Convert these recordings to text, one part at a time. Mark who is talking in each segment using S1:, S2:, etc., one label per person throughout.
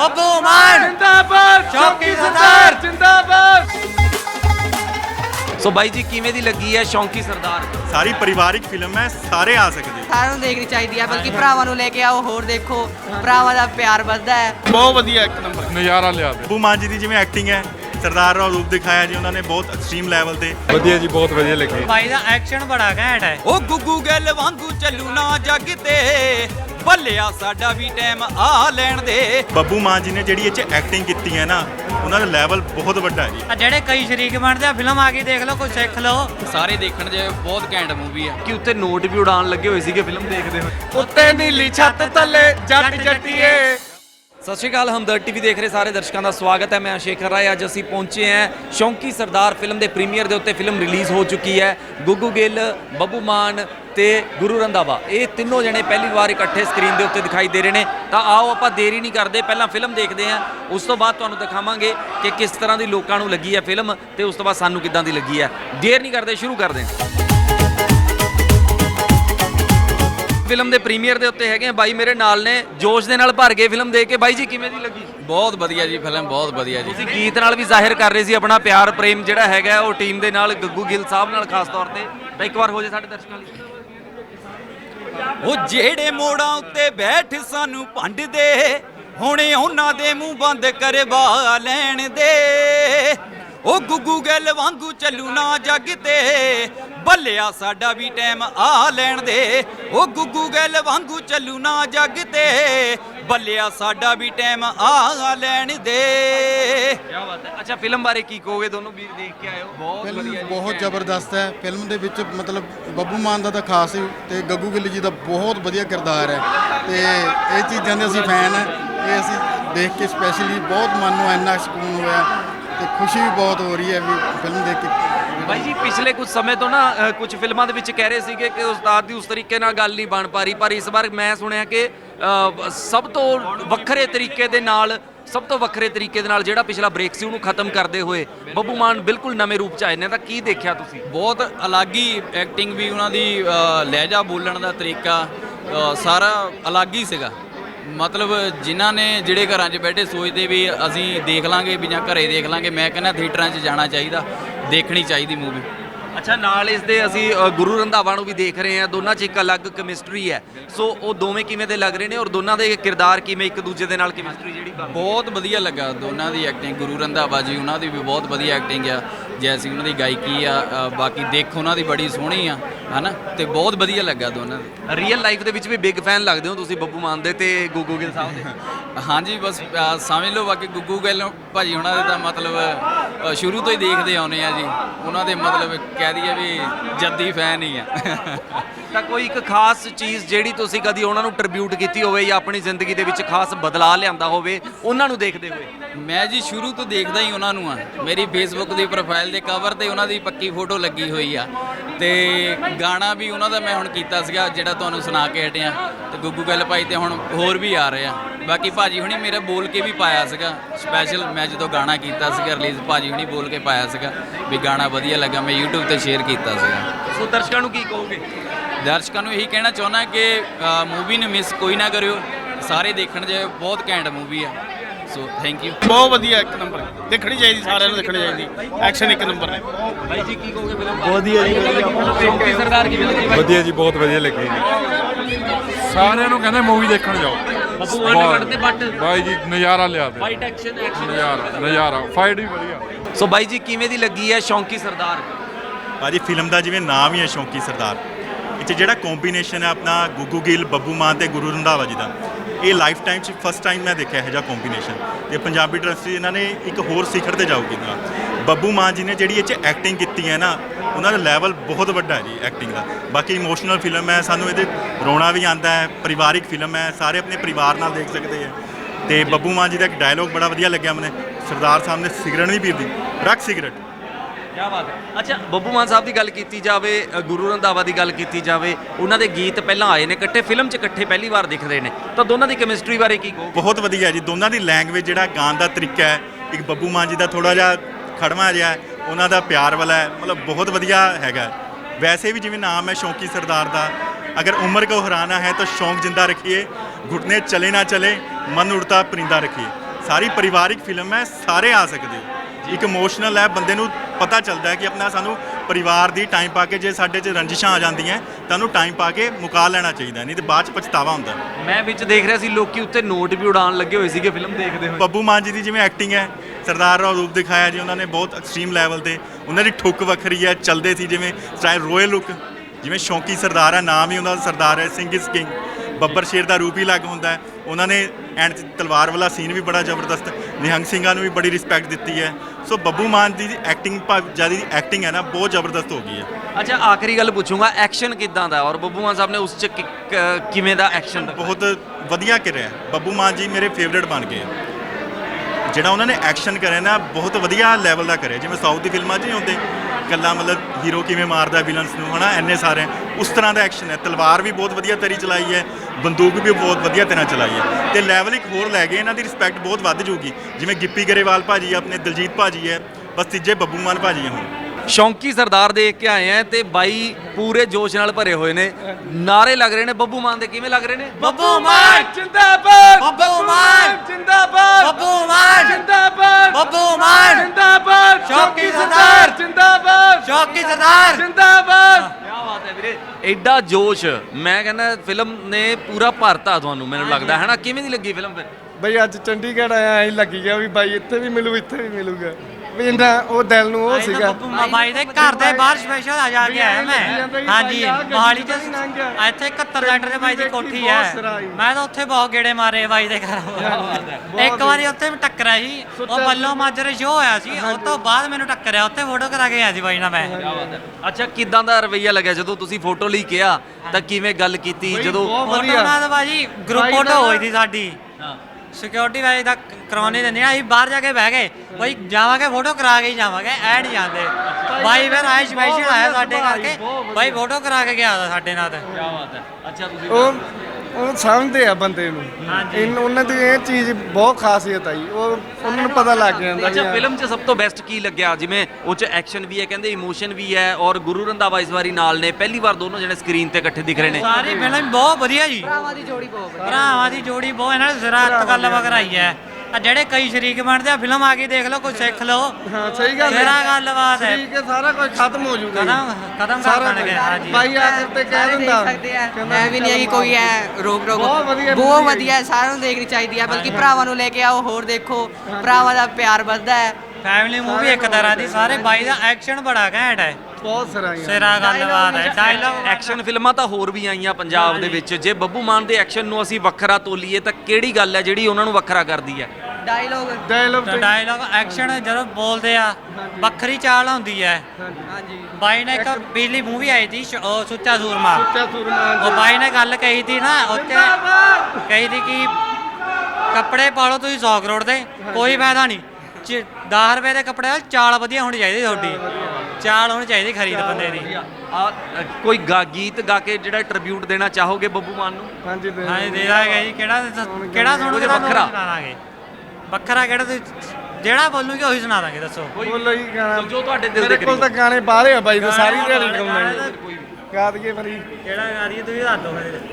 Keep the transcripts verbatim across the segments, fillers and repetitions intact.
S1: ਬੱਬੂ ਮਾਨ
S2: ਜਿੰਦਾਬਾਦ,
S1: ਸ਼ੌਂਕੀ ਸਰਦਾਰ
S2: ਜਿੰਦਾਬਾਦ।
S3: ਸੋ ਬਾਈ ਜੀ ਕਿਵੇਂ ਦੀ ਲੱਗੀ ਹੈ ਸ਼ੌਂਕੀ ਸਰਦਾਰ?
S4: ਸਾਰੀ ਪਰਿਵਾਰਿਕ ਫਿਲਮ ਹੈ, ਸਾਰੇ ਆ ਸਕਦੇ।
S5: ਸਾਰਿਆਂ ਨੂੰ ਦੇਖਣੀ ਚਾਹੀਦੀ ਹੈ, ਬਲਕਿ ਭਰਾਵਾਂ ਨੂੰ ਲੈ ਕੇ ਆਓ, ਹੋਰ ਦੇਖੋ ਭਰਾਵਾਂ ਦਾ ਪਿਆਰ ਵੱਧਦਾ ਹੈ।
S2: ਬਹੁਤ ਵਧੀਆ, ਇੱਕ ਨੰਬਰ
S6: ਨਜ਼ਾਰਾ ਲਿਆ ਦੇ।
S4: ਬੱਬੂ ਮਾਨ ਜੀ ਦੀ ਜਿਵੇਂ ਐਕਟਿੰਗ ਹੈ, ਸਰਦਾਰ ਦਾ ਰੂਪ ਦਿਖਾਇਆ ਜੀ ਉਹਨਾਂ ਨੇ ਬਹੁਤ ਐਕਸਟ੍ਰੀਮ ਲੈਵਲ ਤੇ।
S6: ਵਧੀਆ ਜੀ, ਬਹੁਤ ਵਧੀਆ ਲੱਗੀ।
S1: ਭਾਈ ਦਾ ਐਕਸ਼ਨ ਬੜਾ ਘੈਂਟ ਹੈ।
S7: ਉਹ ਗੁੱਗੂ ਗੱਲ ਵਾਂਗੂ ਚੱਲੂ ਨਾ ਜੱਗ ਤੇ, ਭੱਲਿਆ ਸਾਡਾ ਵੀ ਟਾਈਮ ਆ ਲੈਣ ਦੇ।
S4: ਬੱਬੂ ਮਾਨ ਜੀ ਨੇ ਜਿਹੜੀ ਇਹ ਚ ਐਕਟਿੰਗ ਕੀਤੀ ਹੈ ਨਾ, ਉਹਨਾਂ ਦਾ ਲੈਵਲ ਬਹੁਤ ਵੱਡਾ ਹੈ ਜੀ।
S1: ਆ ਜਿਹੜੇ ਕਈ ਸ਼ਰੀਕ ਬਣਦੇ ਆ, ਫਿਲਮ ਆ ਕੇ ਦੇਖ ਲਓ, ਕੁਝ ਸਿੱਖ ਲਓ।
S7: ਸਾਰੇ ਦੇਖਣ ਜੇ ਬਹੁਤ ਘੈਂਟ ਮੂਵੀ ਆ।
S3: ਕਿ ਉੱਤੇ ਨੋਟ ਵੀ ਉਡਾਣ ਲੱਗੇ ਹੋਏ ਸੀਗੇ ਫਿਲਮ ਦੇਖਦੇ ਹੋਏ।
S2: ਉੱਤੇ ਨੀਲੀ ਛੱਤ ਥੱਲੇ ਜੱਟ ਜੱਟੀਏ।
S3: ਸਤਿ ਸ਼੍ਰੀ ਅਕਾਲ, ਹਮਦਰਦ ਟੀਵੀ ਦੇਖ ਰਹੇ ਸਾਰੇ ਦਰਸ਼ਕਾਂ ਦਾ ਸਵਾਗਤ ਹੈ। ਮੈਂ ਸ਼ੇਖਰ ਰਾਏ। ਅੱਜ ਅਸੀਂ ਪਹੁੰਚੇ ਹਾਂ ਸ਼ੌਂਕੀ ਸਰਦਾਰ ਫਿਲਮ ਦੇ ਪ੍ਰੀਮੀਅਰ ਦੇ ਉੱਤੇ। ਫਿਲਮ ਰਿਲੀਜ਼ ਹੋ ਚੁੱਕੀ ਹੈ। ਗੁੱਗੂ ਗਿੱਲ, ਬੱਬੂ ਮਾਨ ਤੇ ਗੁਰੂ ਰੰਧਾਵਾ, ਇਹ ਤਿੰਨੋਂ ਜਣੇ ਪਹਿਲੀ ਵਾਰ ਇਕੱਠੇ ਸਕਰੀਨ ਦੇ ਉੱਤੇ ਦਿਖਾਈ ਦੇ ਰਹੇ ਨੇ। ਤਾਂ ਆਓ ਆਪਾਂ ਦੇਰੀ ਨਹੀਂ ਕਰਦੇ, ਪਹਿਲਾਂ ਫਿਲਮ ਦੇਖਦੇ ਹਾਂ, ਉਸ ਤੋਂ ਬਾਅਦ ਤੁਹਾਨੂੰ ਦਿਖਾਵਾਂਗੇ ਕਿ ਕਿਸ ਤਰ੍ਹਾਂ ਦੀ ਲੋਕਾਂ ਨੂੰ ਲੱਗੀ ਹੈ ਫਿਲਮ ਤੇ ਉਸ ਤੋਂ ਬਾਅਦ ਸਾਨੂੰ ਕਿੱਦਾਂ ਦੀ ਲੱਗੀ ਹੈ। ਦੇਰ ਨਹੀਂ ਕਰਦੇ, ਸ਼ੁਰੂ ਕਰਦੇ ਹਾਂ। ਫਿਲਮ ਦੇ ਪ੍ਰੀਮੀਅਰ ਦੇ ਉੱਤੇ ਹੈਗੇ ਆ ਬਾਈ ਮੇਰੇ ਨਾਲ ਨੇ, ਜੋਸ਼ ਦੇ ਨਾਲ ਭਰ ਗਏ ਫਿਲਮ ਦੇਖ ਕੇ। ਬਾਈ ਜੀ ਕਿਵੇਂ ਦੀ ਲੱਗੀ?
S7: ਬਹੁਤ ਵਧੀਆ ਜੀ, ਫਿਲਮ ਬਹੁਤ ਵਧੀਆ ਜੀ।
S3: ਤੁਸੀਂ ਗੀਤ ਨਾਲ ਵੀ ਜ਼ਾਹਿਰ ਕਰ ਰਹੇ ਸੀ ਆਪਣਾ ਪਿਆਰ ਪ੍ਰੇਮ ਜਿਹੜਾ ਹੈਗਾ ਉਹ ਟੀਮ ਦੇ ਨਾਲ, ਗੁੱਗੂ ਗਿੱਲ ਸਾਹਿਬ ਨਾਲ ਖਾਸ ਤੌਰ ਤੇ। ਤਾਂ ਇੱਕ ਵਾਰ ਹੋ ਜੇ ਸਾਡੇ ਦਰਸ਼ਕਾਂ ਲਈ।
S7: ਉਹ ਜਿਹੜੇ ਮੋੜਾਂ ਉੱਤੇ ਬੈਠ ਸਾਨੂੰ ਭੰਡਦੇ, ਹੁਣੇ ਉਹਨਾਂ ਦੇ ਮੂੰਹ ਬੰਦ ਕਰਵਾ ਲੈਣ ਦੇ। ਉਹ ਗੁੱਗੂ ਗੱਲ ਵਾਂਗੂ ਚੱਲੂ ਨਾ ਜੱਗ ਤੇ, ਭੱਲਿਆ ਸਾਡਾ ਵੀ ਟਾਈਮ ਆ ਲੈਣ ਦੇ। ਉਹ ਗੁੱਗੂ ਗੱਲ ਵਾਂਗੂ ਚੱਲੂ ਨਾ ਜੱਗ ਤੇ, ਭੱਲਿਆ ਸਾਡਾ ਵੀ ਟਾਈਮ ਆ ਲੈਣ ਦੇ।
S3: ਕੀ ਬਾਤ ਹੈ। ਅੱਛਾ, ਫਿਲਮ ਬਾਰੇ ਕੀ ਕਹੋਗੇ? ਦੋਨੋਂ ਵੀਰ ਦੇਖ ਕੇ ਆਏ ਹੋ। ਬਹੁਤ
S8: ਫਿਲਮ ਬਹੁਤ ਜ਼ਬਰਦਸਤ ਹੈ। ਫਿਲਮ ਦੇ ਵਿੱਚ ਮਤਲਬ ਬੱਬੂ ਮਾਨ ਦਾ ਤਾਂ ਖਾਸ ਹੀ ਤੇ ਗੱਗੂ ਗਿੱਲ ਜੀ ਦਾ ਬਹੁਤ ਵਧੀਆ ਕਿਰਦਾਰ ਹੈ ਤੇ ਇਹ ਚੀਜ਼ਾਂ ਦੇ ਅਸੀਂ ਫੈਨ ਹਾਂ। ਇਹ ਅਸੀਂ ਦੇਖ ਕੇ ਸਪੈਸ਼ਲੀ ਬਹੁਤ ਮਨ ਨੂੰ ਇੰਨਾ ਸਕੂਨ ਹੋਇਆ ਤੇ ਖੁਸ਼ੀ ਵੀ ਬਹੁਤ ਹੋ ਰਹੀ ਹੈ ਵੀ ਫਿਲਮ ਦੇਖ ਕੇ।
S3: ਬਾਈ ਜੀ ਪਿਛਲੇ ਕੁਝ ਸਮੇਂ ਤੋਂ ਨਾ ਕੁਝ ਫਿਲਮਾਂ ਦੇ ਵਿੱਚ ਕਹਿ ਰਹੇ ਸੀਗੇ ਕਿ ਉਸਤਾਦ ਦੀ ਉਸ ਤਰੀਕੇ ਨਾਲ ਗੱਲ ਨਹੀਂ ਬਣ ਪਾ ਰਹੀ, ਪਰ ਇਸ ਵਾਰ ਮੈਂ ਸੁਣਿਆ ਕਿ ਅ, ਸਭ ਤੋਂ ਵੱਖਰੇ ਤਰੀਕੇ ਦੇ ਨਾਲ ਸਭ ਤੋਂ ਵੱਖਰੇ ਤਰੀਕੇ ਦੇ ਨਾਲ ਜਿਹੜਾ ਪਿਛਲਾ ਬ੍ਰੇਕ ਸੀ ਉਹਨੂੰ ਖਤਮ ਕਰਦੇ ਹੋਏ ਬੱਬੂ ਮਾਨ ਬਿਲਕੁਲ ਨਵੇਂ ਰੂਪ ਚ ਆਏ ਨੇ। ਤਾਂ ਕੀ ਦੇਖਿਆ ਤੁਸੀਂ?
S7: ਬਹੁਤ ਅਲੱਗ ਹੀ ਐਕਟਿੰਗ ਵੀ ਉਹਨਾਂ ਦੀ, ਅ, ਲਹਿਜਾ ਬੋਲਣ ਦਾ ਤਰੀਕਾ ਅ, ਸਾਰਾ ਅਲੱਗ ਹੀ ਸੀਗਾ। ਮਤਲਬ ਜਿਨ੍ਹਾਂ ਨੇ ਜਿਹੜੇ ਘਰਾਂ 'ਚ ਬੈਠੇ ਸੋਚਦੇ ਵੀ ਅਸੀਂ ਦੇਖ ਲਾਂਗੇ ਵੀ ਜਾਂ ਘਰੇ ਦੇਖ ਲਾਂਗੇ, ਮੈਂ ਕਹਿੰਦਾ ਥੀਏਟਰਾਂ 'ਚ ਜਾਣਾ ਚਾਹੀਦਾ, ਦੇਖਣੀ ਚਾਹੀਦੀ ਮੂਵੀ।
S3: ਅੱਛਾ, ਨਾਲ ਇਸ ਦੇ ਅਸੀਂ ਅ, ਗੁਰੂ ਰੰਧਾਵਾ ਨੂੰ ਵੀ ਦੇਖ ਰਹੇ ਹਾਂ। ਦੋਨਾਂ 'ਚ ਇੱਕ ਅਲੱਗ ਕੈਮਿਸਟਰੀ ਹੈ। ਸੋ ਉਹ ਦੋਵੇਂ ਕਿਵੇਂ ਦੇ ਲੱਗ ਰਹੇ ਨੇ ਔਰ ਦੋਨਾਂ ਦੇ ਕਿਰਦਾਰ ਕਿਵੇਂ ਇੱਕ ਦੂਜੇ ਦੇ ਨਾਲ ਕੈਮਿਸਟਰੀ ਜਿਹੜੀ ਬਣ-
S7: ਬਹੁਤ ਵਧੀਆ ਲੱਗਾ ਦੋਨਾਂ ਦੀ ਐਕਟਿੰਗ। ਗੁਰੂ ਰੰਧਾਵਾ ਜੀ ਉਹਨਾਂ ਦੀ ਵੀ ਬਹੁਤ ਵਧੀਆ ਐਕਟਿੰਗ ਆ, ਜੈਸੀ ਉਹਨਾਂ ਦੀ ਗਾਇਕੀ ਆ, ਅ, ਬਾਕੀ ਦੇਖ ਉਹਨਾਂ ਦੀ ਬੜੀ ਸੋਹਣੀ ਆ, ਹਨਾ, ਤੇ ਬਹੁਤ ਵਧੀਆ ਲੱਗਾ ਦੋਨਾਂ ਦੀ।
S3: ਰੀਅਲ ਲਾਈਫ ਦੇ ਵਿੱਚ ਵੀ ਬਿਗ ਫੈਨ ਲੱਗਦੇ ਹੋ ਤੁਸੀਂ ਬੱਬੂ ਮਾਨ ਦੇ ਤੇ ਗੁੱਗੂ ਗਿੱਲ ਸਾਹਿਬ ਦੇ?
S7: ਹਾਂਜੀ, ਬਸ ਅ, ਸਮਝ ਲਓ। ਬਾਕੀ ਗੁੱਗੂ ਗਿੱਲ ਭਾਜੀ ਉਹਨਾਂ ਦੇ ਤਾਂ ਮਤਲਬ ਅ, ਸ਼ੁਰੂ ਤੋਂ ਹੀ ਦੇਖਦੇ ਆਉਨੇ ਆ ਜੀ। ਉਹਨਾਂ ਦੇ ਮਤਲਬ ਕਹਿ ਦਈਏ ਵੀ ਜੱਦੀ ਫੈਨ ਹੀ ਆ।
S3: ਤਾਂ ਕੋਈ ਇੱਕ ਖਾਸ ਚੀਜ਼ ਜਿਹੜੀ ਤੁਸੀਂ ਕਦੀ ਉਹਨਾਂ ਨੂੰ ਟ੍ਰਿਬਿਊਟ ਕੀਤੀ ਹੋਵੇ ਜਾਂ ਆਪਣੀ ਜ਼ਿੰਦਗੀ ਦੇ ਵਿੱਚ ਖਾਸ ਬਦਲਾਅ ਲਿਆਂਦਾ ਹੋਵੇ ਉਹਨਾਂ ਨੂੰ ਦੇਖਦੇ ਹੋਏ?
S7: ਮੈਂ ਜੀ ਸ਼ੁਰੂ ਤੋਂ ਦੇਖਦਾ ਹੀ ਉਹਨਾਂ ਨੂੰ ਆ। ਮੇਰੀ ਫੇਸਬੁੱਕ ਦੀ ਪ੍ਰੋਫਾਈਲ ਦੇ ਕਵਰ ਤੇ ਉਹਨਾਂ ਦੀ ਪੱਕੀ ਫੋਟੋ ਲੱਗੀ ਹੋਈ ਆ ਤੇ ਗਾਣਾ ਵੀ ਉਹਨਾਂ ਦਾ ਮੈਂ ਹੁਣ ਕੀਤਾ ਸੀਗਾ ਜਿਹੜਾ ਤੁਹਾਨੂੰ ਸੁਣਾ ਕੇ ਹਟਿਆ, ਤੇ ਗੁੱਗੂ ਗਿੱਲ ਭਾਈ ਤੇ ਹੁਣ ਹੋਰ ਵੀ ਆ ਰਹੇ ਆ। ਬਾਕੀ ਭਾਜੀ ਹੁਣੀ ਮੇਰਾ ਬੋਲ ਕੇ ਵੀ ਪਾਇਆ ਸੀਗਾ ਸਪੈਸ਼ਲ। ਮੈਂ ਜਦੋਂ ਗਾਣਾ ਕੀਤਾ ਸੀਗਾ ਰਿਲੀਜ਼, ਭਾਜੀ ਹੁਣੀ ਬੋਲ ਕੇ ਪਾਇਆ ਸੀਗਾ ਵੀ ਗਾਣਾ ਵਧੀਆ ਲੱਗਾ, ਮੈਂ YouTube ਤੇ ਸ਼ੇਅਰ ਕੀਤਾ ਸੀਗਾ।
S3: ਸੋ ਦਰਸ਼ਕਾਂ ਨੂੰ ਕੀ ਕਹੋਗੇ?
S7: ਦਰਸ਼ਕਾਂ ਨੂੰ ਇਹੀ ਕਹਿਣਾ ਚਾਹੁੰਦਾ ਕਿ ਮੂਵੀ ਨੂੰ ਮਿਸ ਕੋਈ ਨਾ ਕਰਿਓ, ਸਾਰੇ ਦੇਖਣ ਜੇ ਬਹੁਤ ਘੈਂਟ ਮੂਵੀ ਆ। So thank you.
S2: ਬਹੁਤ ਵਧੀਆ, ਇੱਕ ਨੰਬਰ ਦੇਖਣੀ ਚਾਹੀਦੀ, ਸਾਰਿਆਂ ਨੂੰ ਦੇਖਣੀ ਚਾਹੀਦੀ। ਐਕਸ਼ਨ ਇੱਕ ਨੰਬਰ ਹੈ।
S3: ਬਾਈ ਜੀ ਕੀ ਕਹੋਗੇ ਫਿਲਮ?
S6: ਵਧੀਆ ਜੀ,
S3: ਸ਼ੌਂਕੀ ਸਰਦਾਰ ਕਿਵੇਂ ਲੱਗੀ ਬਾਈ?
S6: ਵਧੀਆ ਜੀ, ਬਹੁਤ ਵਧੀਆ ਲੱਗੀ ਜੀ। ਸਾਰਿਆਂ ਨੂੰ ਕਹਿੰਦੇ ਮੂਵੀ ਦੇਖਣ ਜਾਓ।
S3: ਬੱਬੂ ਮਾਨ ਕੱਢਦੇ ਬੱਟ।
S6: ਬਾਈ ਜੀ ਨਜ਼ਾਰਾ ਲਿਆ ਦੇ।
S3: ਫਾਈਟ ਐਕਸ਼ਨ ਐਕਸ਼ਨ
S6: ਨਜ਼ਾਰਾ ਨਜ਼ਾਰਾ ਫਾਈਟ ਵੀ ਵਧੀਆ।
S3: ਸੋ ਬਾਈ ਜੀ ਕਿਵੇਂ ਦੀ ਲੱਗੀ ਹੈ ਸ਼ੌਂਕੀ ਸਰਦਾਰ?
S4: ਭਾਜੀ ਫਿਲਮ ਦਾ ਜਿਵੇਂ ਨਾਮ ਹੀ ਹੈ ਸ਼ੌਂਕੀ ਸਰਦਾਰ, ਇਹ 'ਚ ਜਿਹੜਾ ਕੰਬੀਨੇਸ਼ਨ ਹੈ ਆਪਣਾ ਗੁੱਗੂ ਗਿੱਲ, ਬੱਬੂ ਮਾਨ ਤੇ ਗੁਰੂ ਰੰਧਾਵਾ ਜੀ ਦਾ, ਇਹ ਲਾਈਫ ਟਾਈਮ 'ਚ ਫਸਟ ਟਾਈਮ ਮੈਂ ਦੇਖਿਆ ਇਹੋ ਜਿਹਾ ਕੰਬੀਨੇਸ਼ਨ। ਤੇ ਪੰਜਾਬੀ ਇੰਡਸਟਰੀ ਇਹਨਾਂ ਨੇ ਇੱਕ ਹੋਰ ਸਿਖਰ ਤੇ ਜਾਊਗੀ ਨਾਲ। ਬੱਬੂ ਮਾਨ ਜੀ ਨੇ ਜਿਹੜੀ ਇਹ 'ਚ ਐਕਟਿੰਗ ਕੀਤੀ ਹੈ ਨਾ, ਉਹਨਾਂ ਦਾ ਲੈਵਲ ਬਹੁਤ ਵੱਡਾ ਹੈ ਜੀ ਐਕਟਿੰਗ ਦਾ। ਬਾਕੀ ਇਮੋਸ਼ਨਲ ਫਿਲਮ ਹੈ, ਸਾਨੂੰ ਇਹਦੇ ਰੋਣਾ ਵੀ ਆਉਂਦਾ ਹੈ। ਪਰਿਵਾਰਿਕ ਫਿਲਮ ਹੈ, ਸਾਰੇ ਆਪਣੇ ਪਰਿਵਾਰ ਨਾਲ ਦੇਖ ਸਕਦੇ ਹੈ। ਤੇ ਬੱਬੂ ਮਾਨ ਜੀ ਦਾ ਇੱਕ ਡਾਇਲੋਗ ਬੜਾ ਵਧੀਆ ਲੱਗਿਆ ਮੈਨੂੰ, ਸਰਦਾਰ ਸਾਹਿਬ ਨੇ ਸਿਗਰਟ ਨਹੀਂ ਪੀਂਦੀ, ਰੱਖ ਸਿਗਰਟ।
S3: ਕੀ ਬਾਤ ਹੈ। ਅੱਛਾ, ਬੱਬੂ ਮਾਨ ਸਾਹਿਬ ਦੀ ਗੱਲ ਕੀਤੀ ਜਾਵੇ, ਅ, ਗੁਰੂ ਰੰਧਾਵਾ ਦੀ ਗੱਲ ਕੀਤੀ ਜਾਵੇ, ਉਹਨਾਂ ਦੇ ਗੀਤ ਪਹਿਲਾਂ ਆਏ ਨੇ ਇਕੱਠੇ, ਫਿਲਮ 'ਚ ਇਕੱਠੇ ਪਹਿਲੀ ਵਾਰ ਦਿਖ ਰਹੇ ਨੇ, ਤਾਂ ਦੋਨਾਂ ਦੀ ਕੈਮਿਸਟਰੀ ਬਾਰੇ ਕੀ ਕਹੋ?
S4: ਬਹੁਤ ਵਧੀਆ ਹੈ ਜੀ। ਦੋਨਾਂ ਦੀ ਲੈਂਗੁਏਜ, ਜਿਹੜਾ ਗਾਣ ਦਾ ਤਰੀਕਾ ਹੈ, ਇੱਕ ਬੱਬੂ ਮਾਨ ਜੀ ਦਾ ਥੋੜ੍ਹਾ ਜਿਹਾ ਖੜਮਾ ਜਿਹਾ, ਉਹਨਾਂ ਦਾ ਪਿਆਰ ਵਾਲਾ ਹੈ, ਮਤਲਬ ਬਹੁਤ ਵਧੀਆ ਹੈਗਾ। ਵੈਸੇ ਵੀ ਜਿਵੇਂ ਨਾਮ ਹੈ ਸ਼ੌਂਕੀ ਸਰਦਾਰ ਦਾ, अगर उम्र को हराना है तो शौक जिंदा रखिए, घुटने चले ना चले, मन उड़ता परिंदा रखिए। ਸਾਰੀ ਪਰਿਵਾਰਿਕ ਫਿਲਮ ਹੈ, ਸਾਰੇ ਆ ਸਕਦੇ ਹੋ। ਇੱਕ ਇਮੋਸ਼ਨਲ ਹੈ, ਬੰਦੇ ਨੂੰ ਪਤਾ ਚੱਲਦਾ ਹੈ ਕਿ ਆਪਣਾ ਸਾਨੂੰ ਪਰਿਵਾਰ ਦੀ ਟਾਈਮ ਪਾ ਕੇ, ਜੇ ਸਾਡੇ 'ਚ ਰੰਜਿਸ਼ਾਂ ਆ ਜਾਂਦੀਆਂ ਤਾਂ ਉਹਨੂੰ ਟਾਈਮ ਪਾ ਕੇ ਮੁਕਾ ਲੈਣਾ ਚਾਹੀਦਾ, ਨਹੀਂ ਤੇ ਬਾਅਦ 'ਚ ਪਛਤਾਵਾ ਹੁੰਦਾ।
S3: ਮੈਂ ਵਿੱਚ ਦੇਖ ਰਿਹਾ ਸੀ ਲੋਕੀ ਉੱਤੇ ਨੋਟ ਵੀ ਉਡਾਉਣ ਲੱਗੇ ਹੋਏ ਸੀਗੇ ਫਿਲਮ ਦੇਖਦੇ ਹੋਏ।
S4: ਬੱਬੂ ਮਾਨ ਜੀ ਦੀ ਜਿਵੇਂ ਐਕਟਿੰਗ ਹੈ, ਸਰਦਾਰ ਦਾ ਰੂਪ ਦਿਖਾਇਆ ਜੀ ਉਹਨਾਂ ਨੇ ਬਹੁਤ ਐਕਸਟ੍ਰੀਮ ਲੈਵਲ ਤੇ, ਉਹਨਾਂ ਦੀ ਠੁੱਕ ਵੱਖਰੀ ਹੈ, ਚੱਲਦੇ ਸੀ ਜਿਵੇਂ ਸਟਾਈਲ ਰੋਇਲ ਲੁੱਕ, ਜਿਵੇਂ ਸ਼ੌਂਕੀ ਸਰਦਾਰ ਹੈ, ਨਾਮ ਹੀ ਉਹਨਾਂ ਦਾ ਸਰਦਾਰ ਹੈ, ਸਿੰਘ ਇਜ਼ ਕਿੰਗ, ਬੱਬਰ ਸ਼ੇਰ ਦਾ ਰੂਪ ਹੀ ਅਲੱਗ ਹੁੰਦਾ ਹੈ। ਉਹਨਾਂ ਨੇ ਐਂਡ 'ਚ ਤਲਵਾਰ ਵਾਲਾ ਸੀਨ ਵੀ ਬੜਾ ਜ਼ਬਰਦਸਤ, ਨਿਹੰਗ ਸਿੰਘਾਂ ਨੂੰ ਵੀ ਬੜੀ ਰਿਸਪੈਕਟ ਦਿੱਤੀ ਹੈ। ਸੋ ਬੱਬੂ ਮਾਨ ਦੀ ਐਕਟਿੰਗ ਜਿਆਦਾ ਦੀ ਐਕਟਿੰਗ ਹੈ ਨਾ, ਬਹੁਤ ਜ਼ਬਰਦਸਤ ਹੋ ਗਈ ਹੈ।
S3: ਅੱਛਾ, ਆਖਰੀ ਗੱਲ ਪੁੱਛੂੰਗਾ, ਐਕਸ਼ਨ ਕਿੱਦਾਂ ਦਾ ਔਰ ਬੱਬੂ ਮਾਨ ਸਾਹਿਬ ਨੇ ਉਸ 'ਚ ਕਿ- ਕ- ਕਿਵੇਂ ਦਾ ਐਕਸ਼ਨ
S4: ਬਹੁਤ ਵਧੀਆ ਕਰਿਆ ਬੱਬੂ ਮਾਨ ਜੀ, ਮੇਰੇ ਫੇਵਰੇਟ ਬਣ ਗਏ। ਜਿਹੜਾ ਉਹਨਾਂ ਨੇ ਐਕਸ਼ਨ ਕਰਿਆ ਨਾ, ਬਹੁਤ ਵਧੀਆ ਲੈਵਲ ਦਾ ਕਰਿਆ, ਜਿਵੇਂ ਸਾਊਥ ਦੀ ਫਿਲਮਾਂ 'ਚ ਨਹੀਂ ਹੁੰਦੇ ਕੱਲਾ ਮਤਲਬ ਹੀਰੋ ਕਿਵੇਂ ਮਾਰਦਾ ਵਿਲਨਸ ਨੂੰ, ਹਨਾ, ਇੰਨੇ ਸਾਰੇ ਉਸ ਤਰ੍ਹਾਂ ਦਾ ਐਕਸ਼ਨ ਹੈ। ਤਲਵਾਰ ਵੀ ਬਹੁਤ ਵਧੀਆ ਤਰੀ ਚਲਾਈ ਹੈ, ਬੰਦੂਕ ਵੀ ਬਹੁਤ ਵਧੀਆ ਤਰ੍ਹਾਂ ਚਲਾਈ ਹੈ, ਤੇ ਲੈਵਲ ਇੱਕ ਹੋਰ ਲੈ ਗਏ, ਇਹਨਾਂ ਦੀ ਰਿਸਪੈਕਟ ਬਹੁਤ ਵੱਧ ਜੂਗੀ। ਜਿਵੇਂ ਗਿੱਪੀ ਗਰੇਵਾਲ ਭਾਜੀ, ਆਪਣੇ ਦਿਲਜੀਤ ਭਾਜੀ ਹੈ, ਬਸ ਤੀਜੇ ਬੱਬੂ ਮਾਨ ਭਾਜੀ ਹੈ। ਹੁਣ
S3: ਸ਼ੌਂਕੀ ਸਰਦਾਰ ਦੇਖ ਕੇ ਆਏ ਆ ਤੇ ਬਾਈ ਪੂਰੇ ਜੋਸ਼ ਨਾਲ ਭਰੇ ਹੋਏ ਨੇ, ਨਾਰੇ ਲੱਗ ਰਹੇ ਨੇ ਬੱਬੂ ਮਾਨ ਦੇ। ਕਿਵੇਂ ਲੱਗ ਰਹੇ ਨੇ?
S1: ਬੱਬੂ ਮਾਨ
S3: ਜਿੰਦਾਬਾਦ,
S1: ਬੱਬੂ ਮਾਨ
S3: ਜਿੰਦਾਬਾਦ,
S1: ਬੱਬੂ ਮਾਨ
S3: ਜਿੰਦਾਬਾਦ,
S1: ਬੱਬੂ ਮਾਨ
S3: ਜਿੰਦਾਬਾਦ,
S1: ਸ਼ੌਂਕੀ ਸਰਦਾਰ
S3: ਜਿੰਦਾਬਾਦ,
S1: ਸ਼ੌਂਕੀ ਸਰਦਾਰ
S3: ਜਿੰਦਾਬਾਦ। ਕੀ ਬਾਤ ਹੈ ਵੀਰੇ, ਐਡਾ ਜੋਸ਼। ਮੈਂ ਕਹਿੰਦਾ ਫਿਲਮ ਨੇ ਪੂਰਾ ਭਰਤਾ ਤੁਹਾਨੂੰ, ਮੈਨੂੰ ਲੱਗਦਾ ਹੈ ਨਾ। ਕਿਵੇਂ ਦੀ ਲੱਗੀ ਫਿਲਮ ਫਿਰ?
S9: ਬਈ ਅੱਜ ਚੰਡੀਗੜ੍ਹ ਆਇਆ ਐਂ ਲੱਗੀ ਗਿਆ ਵੀ ਬਾਈ ਇੱਥੇ ਵੀ ਮਿਲੂ, ਇੱਥੇ ਵੀ ਮਿਲੂਗਾ ਵੀ ਇੰਨਾ ਉਹ ਦਿਲ ਨੂੰ ਉਹ ਸੀਗਾ।
S1: ਬੱਬੂ ਬਾਈ ਦੇ ਘਰ ਦੇ ਬਾਹਰ ਸਪੈਸ਼ਲ ਆ ਜਾ ਕੇ ਆਇਆ ਮੈਂ। ਹਾਂਜੀ, ਮੋਹਾਲੀ ਚ ਇੱਥੇ ਇਕਹੱਤਰ ਸੈਕਟਰ ਦੇ ਬਾਈ ਦੀ ਕੋਠੀ ਹੈ, ਮੈਂ ਤਾਂ ਉੱਥੇ ਬਹੁਤ ਗੇੜੇ ਮਾਰੇ ਬਾਈ ਦੇ ਘਰ। ਇੱਕ ਵਾਰੀ ਉੱਥੇ ਵੀ ਟੱਕਰਿਆ ਸੀ, ਉਹ ਬੱਲੋ ਮਾਜਰੇ ਸ਼ੋਅ ਹੋਇਆ ਸੀ, ਉਸ ਤੋਂ ਬਾਅਦ ਮੈਨੂੰ ਟੱਕਰਿਆ, ਉੱਥੇ ਫੋਟੋ ਕਰਾ ਕੇ ਆਇਆ ਸੀ ਬਾਈ ਨਾਲ ਮੈਂ।
S3: ਅੱਛਾ, ਕਿਦਾਂ ਦਾ ਰਵਈਆ ਲੱਗਿਆ ਜਦੋਂ ਤੁਸੀਂ ਫੋਟੋ ਲਈ ਕਿਹਾ ਤਾਂ ਕਿਵੇਂ ਗੱਲ ਕੀਤੀ? ਜਦੋਂ
S1: ਫੋਟੋ ਨਾਲ ਬਾਜੀ ਗਰੁੱਪ ਫੋਟੋ ਹੋਈ ਸੀ ਸਾਡੀ, ਸਿਕਿਉਰਿਟੀ ਵਾਲੇ ਦਾ ਕਰਾਉਣੇ ਦਿੰਦੇ ਆ, ਅਸੀਂ ਬਾਹਰ ਜਾ ਕੇ ਬਹਿ ਗਏ, ਬਾਈ ਜਾਵਾਂਗੇ ਫੋਟੋ ਕਰਾ ਕੇ ਹੀ ਜਾਵਾਂਗੇ, ਐ ਨਹੀਂ ਜਾਂਦੇ। ਬਾਈ ਫਿਰ ਆਇਆ ਸਪੈਸ਼ਲ ਆਇਆ ਸਾਡੇ ਕਰਕੇ, ਬਾਈ ਫੋਟੋ ਕਰਾ ਕੇ ਗਿਆ ਸਾਡੇ ਨਾਲ। ਕੀ ਬਾਤ ਹੈ। ਅੱਛਾ, ਤੁਸੀਂ
S9: ਉਹ ਉਹ ਸਮਝਦੇ ਆ ਬੰਦੇ ਨੂੰ, ਇਨ ਉਹਨਾਂ ਦੀ ਇਹ ਚੀਜ਼ ਬਹੁਤ ਖਾਸੀਅਤ ਆਈ, ਉਹ ਉਹਨਾਂ ਨੂੰ ਪਤਾ ਲੱਗ ਜਾਂਦਾ।
S3: ਅੱਛਾ, ਫਿਲਮ 'ਚ ਸਭ ਤੋਂ ਬੈਸਟ ਕੀ ਲੱਗਿਆ? ਜਿਵੇਂ ਉਹ 'ਚ ਐਕਸ਼ਨ ਵੀ ਹੈ, ਕਹਿੰਦੇ ਇਮੋਸ਼ਨ ਵੀ ਹੈ, ਔਰ ਗੁਰੂ ਰੰਧਾਵਾ ਇਸ ਵਾਰੀ ਨਾਲ ਨੇ, ਪਹਿਲੀ ਵਾਰ ਦੋਨੋਂ ਜਣੇ ਸਕਰੀਨ ਤੇ ਇਕੱਠੇ ਦਿਖ ਰਹੇ ਨੇ।
S1: ਸਾਰੀ ਫਿਲਮ ਬਹੁਤ ਵਧੀਆ ਜੀ,
S5: ਭਰਾਵਾਂ ਦੀ ਜੋੜੀ ਬਹੁਤ ਵਧੀਆ,
S1: ਭਰਾਵਾਂ ਦੀ ਜੋੜੀ ਬਹੁਤ, ਇਹਨਾਂ ਨੇ ਜ਼ਰਾ ਗੱਲ ਵਗਰਾਈ ਹੈ। ਆ ਜਿਹੜੇ ਕਈ ਸ਼ਰੀਕ ਬਣਦੇ ਆ, ਫਿਲਮ ਆ ਕੇ ਦੇਖ ਲਓ, ਕੁਝ ਸਿੱਖ ਲਓ।
S9: ਹਾਂ, ਸਹੀ ਗੱਲ
S1: ਜ਼ਰਾ ਗੱਲਬਾਤ ਹੈ,
S9: ਠੀਕ ਹੈ, ਸਾਰਾ ਕੁਝ ਖਤਮ ਹੋ ਜੂਗਾ।
S1: ਖਤਮ ਖਤਮ ਕਰ ਦੇਣਗੇ। ਹਾਂਜੀ,
S9: ਬਾਈ ਆ ਕੇ ਤੇ ਕਹਿ ਦਿੰਦਾ
S5: ਮੈਂ ਵੀ ਨਹੀਂ ਹੈ ਕਿ ਕੋਈ ਹੈ ਰੋਕ ਰੋਕ,
S9: ਬਹੁਤ ਵਧੀਆ
S5: ਬਹੁਤ ਵਧੀਆ ਹੈ, ਸਾਰਿਆਂ ਨੂੰ ਦੇਖਣੀ ਚਾਹੀਦੀ ਹੈ, ਬਲਕਿ ਭਰਾਵਾਂ ਨੂੰ ਲੈ ਕੇ ਆਓ, ਹੋਰ ਦੇਖੋ, ਭਰਾਵਾਂ ਦਾ ਪਿਆਰ ਵੱਧਦਾ ਹੈ।
S1: ਫੈਮਿਲੀ ਮੂਵੀ ਇੱਕ ਤਰ੍ਹਾਂ ਦੀ, ਸਾਰੇ ਬਾਈ ਦਾ ਐਕਸ਼ਨ ਬੜਾ ਘੈਂਟ ਹੈ,
S9: ਬਹੁਤ ਸਰਾਈਆਂ
S1: ਸਿਰਾ ਗੱਲਬਾਤ ਹੈ। ਡਾਇਲੌਗ
S3: ਐਕਸ਼ਨ ਫਿਲਮਾਂ ਤਾਂ ਹੋਰ ਵੀ ਆਈਆਂ ਪੰਜਾਬ ਦੇ ਵਿੱਚ, ਜੇ ਬੱਬੂ ਮਾਨ ਦੇ ਐਕਸ਼ਨ ਨੂੰ ਅਸੀਂ ਵੱਖਰਾ ਤੋਲੀਏ ਤਾਂ ਕਿਹੜੀ ਗੱਲ ਹੈ ਜਿਹੜੀ ਉਹਨਾਂ ਨੂੰ ਵੱਖਰਾ ਕਰਦੀ ਹੈ?
S5: ਡਾਇਲੋਗ
S9: ਡਾਇਲੌਗ
S1: ਡਾਇਲੌਗ ਐਕਸ਼ਨ ਜਦੋਂ ਬੋਲਦੇ ਆ ਵੱਖਰੀ ਚਾਲ ਹੁੰਦੀ ਹੈ।
S5: ਹਾਂਜੀ,
S1: ਬਾਈ ਨੇ ਇੱਕ ਪਿਛਲੀ ਮੂਵੀ ਆਈ ਸੀ ਸ਼- ਉਹ ਸੁੱਚਾ ਸੂਰਮਾ,
S9: ਸੁੱਚਾ ਸੂਰਮਾ,
S1: ਉਹ ਬਾਈ ਨੇ ਗੱਲ ਕਹੀ ਸੀ ਨਾ ਉੱਥੇ, ਕਹੀ ਸੀ ਕਿ ਕੱਪੜੇ ਪਾ ਲਓ ਤੁਸੀਂ ਸੌ ਕਰੋੜ ਦੇ, ਕੋਈ ਫਾਇਦਾ ਨਹੀਂ, ਦਸ ਰੁਪਏ ਦੇ ਕੱਪੜੇ ਨਾਲ ਚਾਲ ਵਧੀਆ ਹੋਣੀ ਚਾਹੀਦੀ, ਤੁਹਾਡੀ ਚਾਲ ਹੋਣੀ ਚਾਹੀਦੀ ਖਰੀਦ ਬੰਦੇ ਦੀ।
S3: ਆ ਕੋਈ ਗਾ ਗੀਤ ਗਾ ਕੇ ਜਿਹੜਾ ਟ੍ਰਿਬਿਊਟ ਦੇਣਾ ਚਾਹੋਗੇ ਬੱਬੂ ਮਾਨ ਨੂੰ?
S9: ਹਾਂਜੀ ਦੇ
S1: ਹਾਂਜੀ ਦੇ ਦਾਂਗੇ ਜੀ, ਕਿਹੜਾ ਕਿਹੜਾ ਸੁਣੋਗੇ?
S3: ਵੱਖਰਾ
S1: ਸੁਣਾ ਦਾਂਗੇ, ਵੱਖਰਾ ਕਿਹੜਾ ਤੁਸੀਂ ਜਿਹੜਾ ਬੋਲੂਗੇ ਉਹੀ ਸੁਣਾ ਦਾਂਗੇ। ਦੱਸੋ
S9: ਬੋਲੋ ਜੀ ਗਾਣਾ,
S3: ਜੋ ਤੁਹਾਡੇ ਦਿਲ ਦੇ
S9: ਮੇਰੇ ਕੋਲ ਤਾਂ
S3: ਕਰੀਬ।
S9: ਗਾਣੇ ਬਾਹਰੇ ਆ ਬਾਈ ਦੇ, ਸਾਰੀ ਦਿਹਾੜੀ
S1: ਗਾਣੇ
S9: ਗਾਉਂਦਾ ਗਾ ਦਈਏ ਫਰੀ।
S1: ਕਿਹੜਾ ਗਾ ਦਈਏ ਤੁਸੀਂ ਦੱਸ ਦਿਓ ਫਿਰ।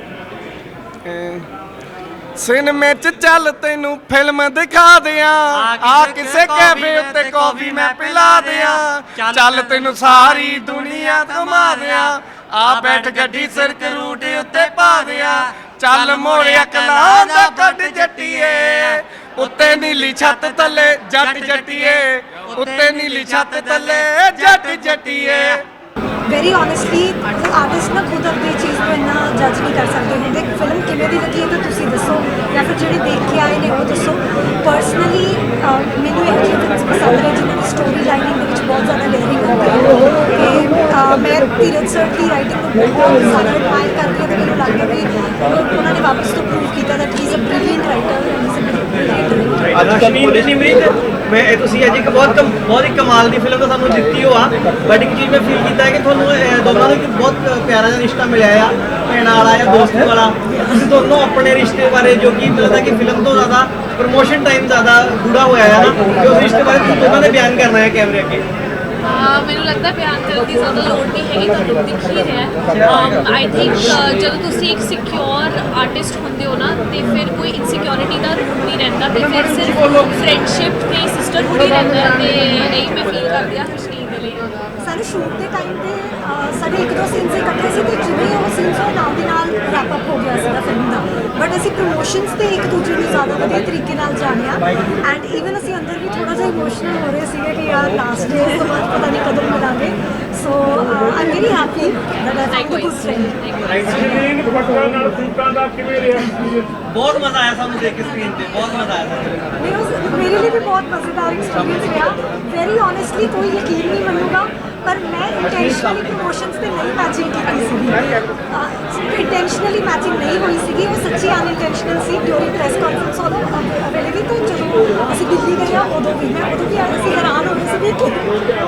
S9: ਸਿਨੇਮੇ 'ਚ ਚੱਲ ਤੈਨੂੰ ਫਿਲਮ ਦਿਖਾ ਦਿਆਂ, ਆ ਕਿਸੇ ਕੈਫੇ ਉੱਤੇ ਕੌਫੀ ਮੈਂ ਪਿਲਾ ਦਿਆਂ, ਚੱਲ ਤੈਨੂੰ ਸਾਰੀ ਦੁਨੀਆ ਘੁਮਾ ਦਿਆਂ, ਆ ਬੈਠ ਗੱਡੀ ਸਿਰਕ ਰੂਟ ਉੱਤੇ ਪਾ ਦਿਆਂ, ਚੱਲ ਮੋੜਿਆ ਕਲਾਂ ਦਾ ਕੱਢ ਜੱਟੀਏ, ਉੱਤੇ ਨੀਲੀ ਛੱਤ ਥੱਲੇ ਜੱਟ ਜੱਟੀਏ, ਉੱਤੇ ਨੀਲੀ ਛੱਤ ਥੱਲੇ ਜੱਟ ਜੱਟੀਏ।
S10: ਵੈਰੀ ਓਨੈਸਟਲੀ ਆਰਟਿਸਟ ਨਾ ਖੁਦ ਆਪਣੀ ਚੀਜ਼ ਨੂੰ ਇੰਨਾ ਜੱਜ ਨਹੀਂ ਕਰ ਸਕਦੇ ਹੁੰਦੇ। ਫਿਲਮ ਕਿਵੇਂ ਦੀ ਲੱਗੀ ਹੈ ਤਾਂ ਤੁਸੀਂ ਦੱਸੋ, ਜਾਂ ਫਿਰ ਜਿਹੜੇ ਦੇਖ ਕੇ ਆਏ ਨੇ ਉਹ ਦੱਸੋ। ਪਰਸਨਲੀ ਮੈਨੂੰ ਇਹ ਜਿਹੀ ਫਿਲਮ ਪਸੰਦ ਹੈ ਜਿਨ੍ਹਾਂ ਦੀ ਸਟੋਰੀ ਲਾਈਨਿੰਗ ਦੇ ਵਿੱਚ ਬਹੁਤ ਜ਼ਿਆਦਾ ਲੇਅਰਿੰਗ ਹੁੰਦੀ ਹੈ, ਤੇ ਮੈਂ ਧੀਰਜ ਸਰ ਦੀ ਰਾਈਟਿੰਗ ਨੂੰ ਬਹੁਤ ਜ਼ਿਆਦਾ ਐਡਮਾਇਰ ਕਰਦੀ ਹਾਂ, ਅਤੇ ਮੈਨੂੰ ਲੱਗਦਾ ਵੀ ਉਹਨਾਂ ਨੇ ਵਾਪਸ ਤੋਂ ਪ੍ਰੂਵ ਕੀਤਾ that he is a brilliant writer and is a brilliant
S11: ਅੱਜ ਕਸ਼ਮੀਰ ਨਿਮਰੀਤ ਮੈਂ ਇਹ ਤੁਸੀਂ ਅੱਜ ਇੱਕ ਬਹੁਤ ਕਮ- ਬਹੁਤ ਹੀ ਕਮਾਲ ਦੀ ਫਿਲਮ ਤਾਂ ਸਾਨੂੰ ਦਿੱਤੀ ਹੋ ਆ, ਬਟ ਇੱਕ ਚੀਜ਼ ਮੈਂ ਫੀਲ ਕੀਤਾ ਹੈ ਕਿ ਤੁਹਾਨੂੰ ਇਹ ਦੋਨਾਂ ਨੂੰ ਇੱਕ ਬਹੁਤ ਪਿਆਰਾ ਜਿਹਾ ਰਿਸ਼ਤਾ ਮਿਲਿਆ ਆ, ਭੈਣਾਂ ਵਾਲਾ ਜਾਂ ਦੋਸਤੀ ਵਾਲਾ। ਤੁਸੀਂ ਦੋਨੋਂ ਆਪਣੇ ਰਿਸ਼ਤੇ ਬਾਰੇ, ਜੋ ਕਿ ਲੱਗਦਾ ਕਿ ਫਿਲਮ ਤੋਂ ਜ਼ਿਆਦਾ ਪ੍ਰਮੋਸ਼ਨ ਟਾਈਮ ਜ਼ਿਆਦਾ ਗੂੜਾ ਹੋਇਆ ਹੈ ਨਾ, ਕਿ ਉਸ ਰਿਸ਼ਤੇ ਬਾਰੇ ਤੁਸੀਂ ਦੋਨਾਂ ਨੇ ਬਿਆਨ ਕਰਨਾ ਹੈ ਕੈਮਰੇ ਅੱਗੇ।
S12: ਮੈਨੂੰ ਲੱਗਦਾ ਬਿਆਨ ਕਰਨ ਦੀ ਜ਼ਿਆਦਾ ਲੋੜ ਨਹੀਂ ਹੈਗੀ, ਤੁਹਾਨੂੰ ਦਿਖ ਹੀ ਰਿਹਾ। ਆਈ ਥਿੰਕ ਜਦੋਂ ਤੁਸੀਂ ਇੱਕ ਸਿਕਿਉਰ ਆਰਟਿਸਟ ਹੁੰਦੇ ਹੋ ਨਾ ਤੇ ਫਿਰ ਕੋਈ ਇਨਸਿਕਿਉਰਿਟੀ ਦਾ ਰੂਪ ਨਹੀਂ ਰਹਿੰਦਾ ਤੇ ਫਿਰ ਸਿਰਫ ਫਰੈਂਡਸ਼ਿਪ ਤੇ ਸਿਸਟਰਹੁੱਡ ਹੀ ਰਹਿੰਦਾ ਹੈ ਤੇ ਇਹੀ ਮੈਂ ਫੀਲ ਕਰਦੀ ਹਾਂ ਹਰਸ਼ਨੀਤ ਦੇ ਲਈ।
S10: ਸਾਰੇ ਸ਼ੂਟ ਦੇ ਟਾਈਮ ਤੇ ਅਹ, ਸਾਡੇ ਇੱਕ ਦੋ ਸੀਨਸ ਇਕੱਠੇ ਸੀ ਤੇ ਜਿਵੇਂ ਉਹ ਸੀਨਸ ਉਹ ਨਾਲ ਦੀ ਨਾਲ ਰੈਪ ਅਪ ਹੋ ਗਿਆ ਸੀਗਾ ਫਿਲਮ ਦਾ, ਬਟ ਅਸੀਂ ਪ੍ਰੋਮੋਸ਼ਨਸ ਤੇ ਇੱਕ ਦੂਜੇ ਨੂੰ ਜ਼ਿਆਦਾ ਵਧੀਆ ਤਰੀਕੇ ਨਾਲ ਜਾਣਿਆ ਐਂਡ ਈਵਨ ਅਸੀਂ ਅੰਦਰ ਵੀ ਥੋੜਾ ਜਿਹਾ ਇਮੋਸ਼ਨਲ ਹੋ ਰਹੇ ਸੀਗੇ ਕਿ ਯਾਰ ਲਾਸਟ ਡੇ ਤੋਂ ਬਾਅਦ ਪਤਾ ਨਹੀਂ ਕਦੋਂ ਮਿਲਾਂਗੇ। So I am very happy that I found a good friend.
S11: ਬਹੁਤ ਮਜ਼ਾ ਆਇਆ ਸਾਨੂੰ ਦੇਖ ਕੇ ਸਕਰੀਨ ਤੇ, ਬਹੁਤ ਮਜ਼ਾ ਆਇਆ ਸਾਨੂੰ।
S10: ਮੇਰੇ ਉਸ- ਮੇਰੇ ਲਈ ਵੀ ਬਹੁਤ ਮਜ਼ੇਦਾਰ ਐਕਸਪੀਰੀਅੰਸ ਰਿਹਾ। ਵੈਰੀ ਓਨੈਸਟਲੀ ਕੋਈ ਯਕੀਨ ਨਹੀਂ ਮੰਨੂਗਾ ਪਰ ਮੈਂ ਇੰਟੈਂਸ਼ਨਲੀ ਪ੍ਰੋਮੋਸ਼ਨਸ ਤੇ ਨਹੀਂ ਮੈਚਿੰਗ ਕੀਤੀ ਸੀਗੀ, ਇੰਟੈਂਸ਼ਨਲੀ ਮੈਚਿੰਗ ਨਹੀਂ ਹੋਈ ਸੀਗੀ, ਉਹ ਸੱਚੀ ਅਨਇੰਟੈਂਸ਼ਨਲ ਸੀ। ਡਿਊਰਿੰਗ ਪ੍ਰੈਸ ਕਾਨਫਰੰਸ ਉਦੋਂ ਅਵੇਲੇਬਲ ਤੋਂ ਜਦੋਂ ਅਸੀਂ ਦਿੱਲੀ ਗਏ ਆ ਉਦੋਂ ਵੀ ਮੈਂ ਉਦੋਂ ਵੀ ਅਸੀਂ ਹੈਰਾਨ ਹੋ ਗਏ ਸੀ ਕਿ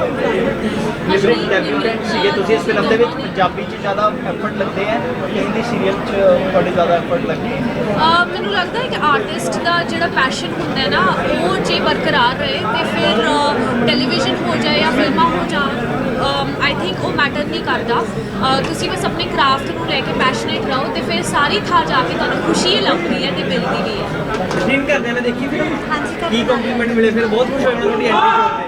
S11: ਸੀਗੇ ਤੁਸੀਂ ਇਸ ਫਿਲਮ ਦੇ ਵਿੱਚ ਪੰਜਾਬੀ 'ਚ ਜ਼ਿਆਦਾ ਐਫਰਟ ਲੱਗਦੇ ਹੈ ਕਿ ਹਿੰਦੀ ਸੀਰੀਅਲ 'ਚ ਤੁਹਾਡੇ ਜ਼ਿਆਦਾ ਐਫਰਟ ਲੱਗੇ?
S12: ਮੈਨੂੰ ਲੱਗਦਾ ਹੈ ਕਿ ਆਰਟਿਸਟ ਦਾ ਜਿਹੜਾ ਪੈਸ਼ਨ ਹੁੰਦਾ ਹੈ ਨਾ ਉਹ ਜੇ ਬਰਕਰਾਰ ਰਹੇ ਤੇ ਫਿਰ ਟੈਲੀਵਿਜ਼ਨ ਹੋ ਜਾਏ ਜਾਂ ਫਿਲਮਾਂ ਹੋ ਜਾਣ, ਆਈ ਥਿੰਕ ਉਹ ਮੈਟਰ ਨਹੀਂ ਕਰਦਾ। ਅਹ ਤੁਸੀਂ ਬਸ ਆਪਣੇ ਕਰਾਫਟ ਨੂੰ ਲੈ ਕੇ ਪੈਸ਼ਨੇਟ ਰਹੋ ਤੇ ਫਿਰ ਸਾਰੀ ਥਾਂ ਜਾ ਕੇ ਤੁਹਾਨੂੰ ਖੁਸ਼ੀ ਲੱਭਦੀ ਹੈ ਤੇ ਮਿਲਦੀ ਵੀ ਹੈ।
S11: ਸੀਨ ਕਰਦੇ ਨੇ ਦੇਖੀ ਫਿਰ
S10: ਹਾਂਜੀ ਕਰ
S11: ਕੀ ਕੰਪਲੀਮੈਂਟ ਮਿਲੇ ਫਿਰ ਬਹੁਤ ਖੁਸ਼ ਹੋਏ ਮੈਂ ਤੁਹਾਡੀ ਐਂਟਰੀ